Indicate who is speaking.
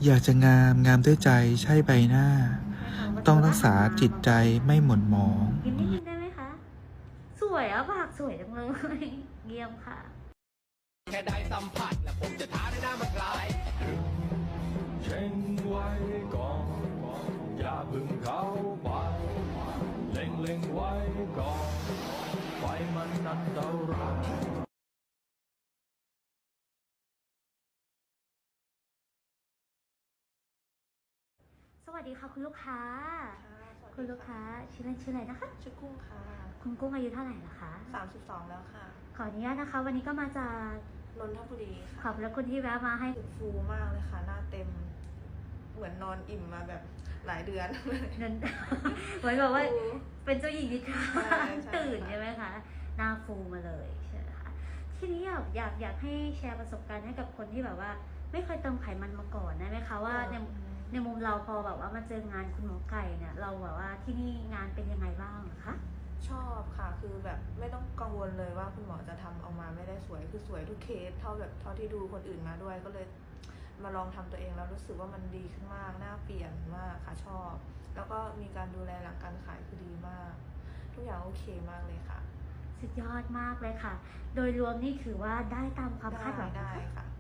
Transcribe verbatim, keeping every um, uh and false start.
Speaker 1: อยากจะงามงามด้วยใจใช่ใบหน้า ต้องรักษาจิตใจไม่หม่นหมอง
Speaker 2: ยิ้มนิดนึงได้ไหมคะ สวยอ่ะปากสวยจังเลย เยี่ยมค่ะ
Speaker 3: แค่ได้สัมผัสและผมจะท้าด้วยหน้ามันกลายเช่งไว้ก่อนอย่าเพึ่งเข้าไปเล็งเล็งไว้ก่อนไฟมันอันตราย
Speaker 2: สวัสดีค่ะคุณลูกค้า คุณลูกค้าชื่อเล่นชื่ออะไรนะคะ
Speaker 4: ชื่อกุ้งค่ะ
Speaker 2: คุณกุ้งอายุเท่าไหร่ละคะ
Speaker 4: สามสิบสองแล้วค่ะ
Speaker 2: ขออนุญาตนะคะ วันนี้ก็มาจาก
Speaker 4: นนทบุรี
Speaker 2: ขอ
Speaker 4: ค่ะ
Speaker 2: บพระคุณที่แวะมาให้
Speaker 4: ฟูมากเลยค่ะ หน้าเต็ม เหมือนนอนอิ่มมาแบบหลายเดือน
Speaker 2: นั่น เหมือนแบบว่าเป็นเจ้าหญิงนิทรา
Speaker 4: ใช่ใช่
Speaker 2: ตื่นใช่ไหมคะ หน้าฟูมาเลยใช่ไหมคะ ทีนี้อยากอยากอยากให้แชร์ประสบการณ์ให้กับคนที่แบบว่า ไม่เคยเติมไขมันมาก่อนได้ไหมคะว่าในในมุมเราพอแบบว่ามาเจองานคุณหมอไก่เนี่ย เราแบบว่าที่นี่งานเป็นยังไงบ้างคะ
Speaker 4: ชอบค่ะ คือแบบไม่ต้องกังวลเลยว่าคุณหมอจะทำออกมาไม่ได้สวย คือสวยทุกเคส เท่าแบบเท่าที่ดูคนอื่นมาด้วย ก็เลยมาลองทำตัวเองแล้วรู้สึกว่ามันดีขึ้นมาก หน้าเปลี่ยนมากค่ะชอบ แล้วก็มีการดูแลหลังการขายคือดีมาก ทุกอย่างโอเคมากเลยค่ะ
Speaker 2: สุดยอดมากเลยค่ะ โดยรวมนี่ถือว่าได้ตามความคาดหวัง
Speaker 4: ได้
Speaker 2: นะคะ
Speaker 4: ค่ะ